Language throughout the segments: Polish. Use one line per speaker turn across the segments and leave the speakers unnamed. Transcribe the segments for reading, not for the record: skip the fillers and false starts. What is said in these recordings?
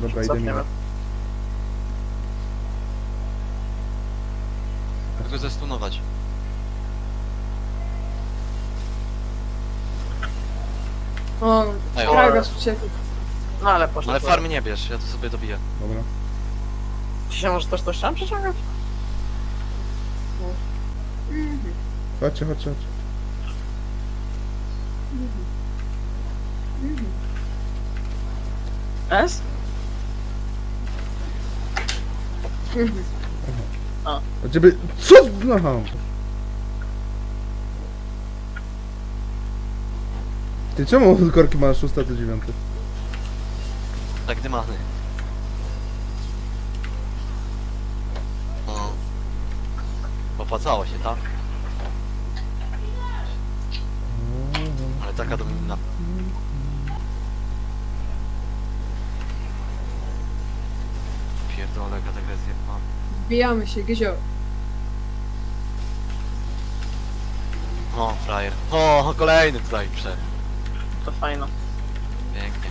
Dobra, idę mimo.
Jak go zestunować?
O,
Ej,
Kragas uciekł.
No ale poszedł.
ale farmy nie bierz, ja to sobie dobiję.
Dobra.
Czy się może też coś tam przeciągać?
Chodźcie, chodźcie, chodźcie.
S?
A ciebie... Co? Aha. Ty czemu korki masz 6 do 9?
Tak dymany. No. Opłacało się, tak? Ale taka domina. Pierdolę, kategorię pan.
Wbijamy się, Gyzio.
O, frajer. O, kolejny tutaj przed.
To fajno.
Pięknie.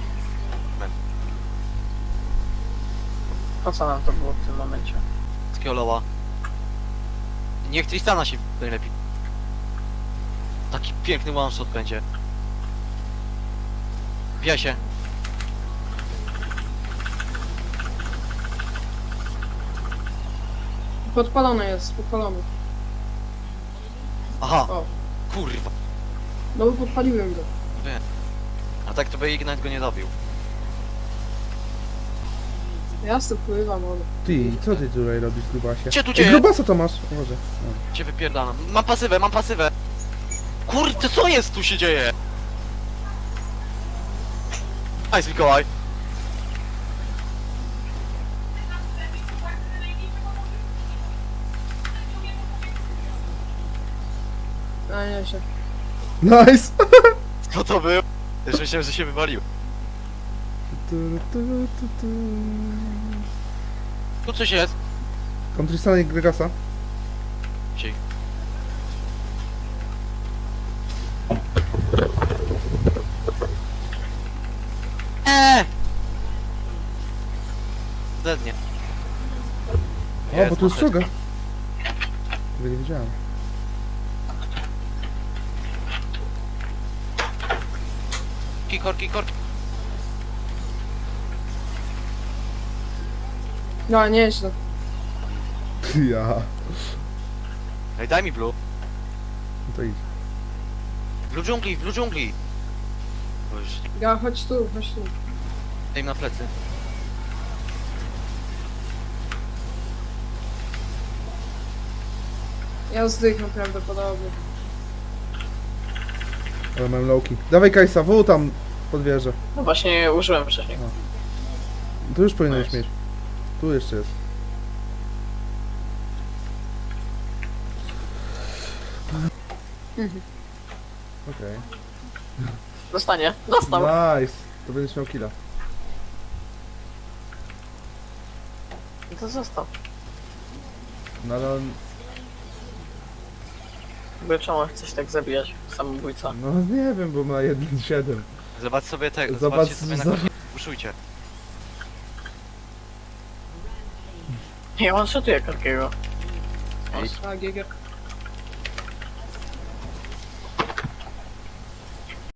Po co nam to było w tym momencie?
Takiego loła. Niech Tristana się najlepiej. Taki piękny one shot będzie. Wbija się.
Podpalony jest, podpalony.
Aha,
O,
kurwa.
no bo podpaliłem go.
Wiem. A tak to by Ignite go nie dobił.
Ja z tym pływam, ale...
Ty, co ty tutaj robisz, grubasie?
Gdzie tu
Ej,
dzieje?
grubasa to masz? O Boże.
Cię wypierdalam. Mam pasywę, mam pasywę. Kurde, co jest tu się dzieje? Nice, Mikołaj.
A nie się.
Nice!
Co to był? Już myślałem, że się wywalił. Tu coś jest.
Kontrystana i Gregasa.
Ciej. Zednie.
O, bo tu jest czoga. Tego nie wiedziałem.
Korki.
No, nieźle.
Ja.
Ej, daj mi blue.
No to idź.
W blue dżungli. Bo już,
Ja, chodź tu, chodź tu.
daj mi na plecy.
Ja zdychnę prawdopodobnie.
Ale mam lowki. Dawaj Kajsa, W tam pod wieżę.
No właśnie użyłem wcześniej.
Tu już powinieneś mieć. Tu jeszcze jest. Okej.
Dostanie. Dostał.
Nice. To będziesz miał killa.
I to został.
No ale on...
Bo czemu chcesz tak zabijać? Samobójca.
No nie wiem, bo ma 1-7.
Zobacz sobie tego,
Zobacz,
zobaczcie sobie na
zobacz.
korki. Puszujcie.
Ja one-shotuję Korkiego.
Ej,
A, GG.